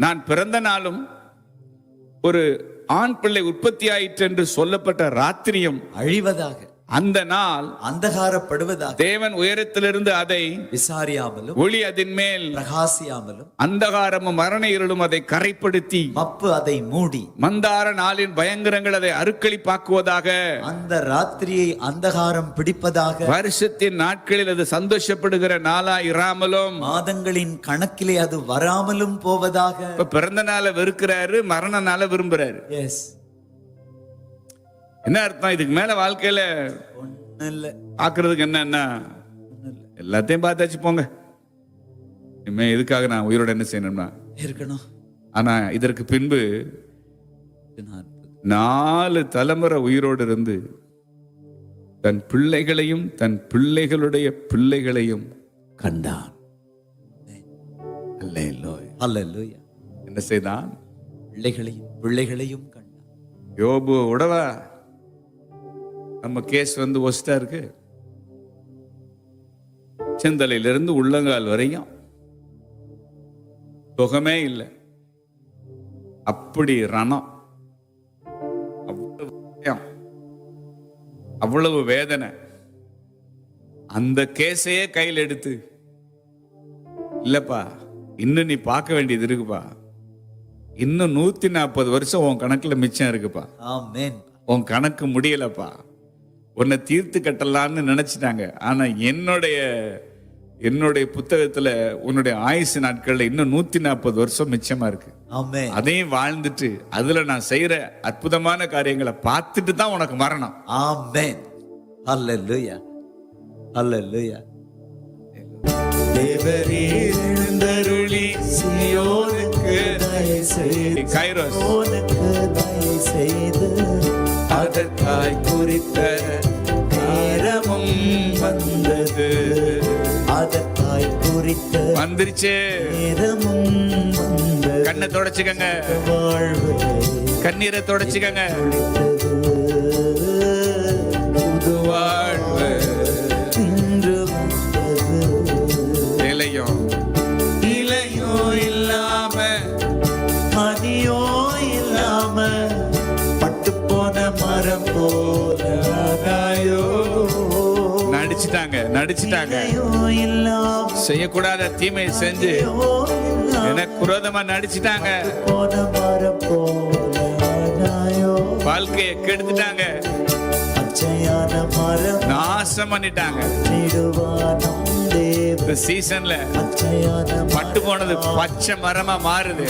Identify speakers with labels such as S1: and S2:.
S1: நான் பிறந்த நாளும் ஒரு ஆண் பிள்ளை உற்பத்தி ஆயிற்று என்று சொல்லப்பட்ட ராத்திரியும்
S2: அழிவதாக,
S1: அந்த நாள்
S2: அந்தகாரப்படுவதாக,
S1: தேவன் உயரத்திலிருந்து அதை
S2: விசாரியாமலும்
S1: ஒளி அதன் மேல்
S2: பிரகாசியாமலும்
S1: அந்தகாரமும் மரண இருளும் அதை கரைப்படுத்தி
S2: மப்பு அதை மூடி
S1: மந்தார நாளின் பயங்கரங்கள் அதை அருக்களிப்பாக்குவதாக,
S2: அந்த ராத்திரியை அந்தகாரம் பிடிப்பதாக,
S1: வருஷத்தின் நாட்களில் அது சந்தோஷப்படுகிற நாளா இராமலும்,
S2: மாதங்களின் கணக்கிலே அது வராமலும் போவதாக.
S1: இப்ப பிறந்த நாளை வெறுக்கிறாரு, மரண நாளை விரும்புறாரு.
S2: எஸ்,
S1: என்ன அர்த்தம்? இதுக்கு மேல வாழ்க்கையில
S2: ஒண்ணு இல்ல,
S1: பாக்குறதுக்கு என்னன்னா எல்லாத்தையும் பார்த்தாச்சு போங்க, இனிமே எதுக்காக நான் உயிரோட என்ன செய்யணும்னா
S2: இருக்கணும்.
S1: ஆனா இதற்கு பின்பு 4 தலைமுறை உயிரோடு இருந்து தன் பிள்ளைகளையும் தன் பிள்ளைகளுடைய பிள்ளைகளையும் கண்டான்.
S2: அல்லேலூயா.
S1: என்ன செய்தான்?
S2: பிள்ளைகளையும் கண்டான்.
S1: யோபு உடவா நம்ம கேஸ் வந்து ஒஸ்டா இருக்கு. செந்தலையிலிருந்து உள்ளங்கால் வரையும் சுகமே இல்லை. அப்படி ரணம், அவ்வளவு வேதனை. அந்த கேஸையே கையில் எடுத்து, இல்லப்பா இன்னும் நீ பார்க்க வேண்டியது இருக்குப்பா, இன்னும் 140 வருஷம் உன் கணக்குல மிச்சம் இருக்குப்பா,
S2: ஆமென்,
S1: உன் கணக்கு முடியலப்பா, உன்னை தீர்த்து கட்டலான்னு நினைச்சிட்டாங்க. ஆனா என்னுடைய புத்தகத்துல உன்னுடைய ஆயுசு நாட்கள்ல இன்னும் 140 வருஷம் மிச்சமா இருக்கு.
S2: ஆமென்.
S1: அதையும் வாழ்ந்துட்டு அதுல நான் செய்யற அற்புதமான காரியங்களை பார்த்துட்டு தான் உனக்கு மரணம்.
S2: ஆமென். அல்லேலூயா. அல்லேலூயா.
S1: தேவரீர் எழுந்தருளி சீயோனுக்கு கைரோஸ்
S2: தயை செய்து
S1: அதற்காய் குறித்த நேரமும் வந்தது.
S2: அதற்காய் குறித்த
S1: வந்துருச்சு.
S2: நேரமும் வந்தது.
S1: கண்ணை தொடச்சுக்கங்க,
S2: வாழ்வு
S1: கண்ணீரை தொடச்சுக்கங்க.
S2: புது
S1: வாழ்வு
S2: இன்று வந்தது.
S1: இலையும் இல்லாம
S2: மதியோ இல்லாம பட்டு போன மரம் போல ஆகாயோ.
S1: நடிச்சிட்டாங்க.
S2: இல்லாம
S1: செய்யக்கூடாத தீமை செஞ்சு எனக்கு குரோதமா நடிச்சிட்டாங்க.
S2: போன மரம் போல ஆகாயோ.
S1: வாழ்க்கையை கெடுத்துட்டாங்க,
S2: பச்சையான மரம்
S1: நாசம் பண்ணிட்டாங்க.
S2: நெடுவானம் தேவ
S1: இந்த சீசன்ல
S2: பச்சையான
S1: பட்டு போனது பச்சை மரமா மாறுது.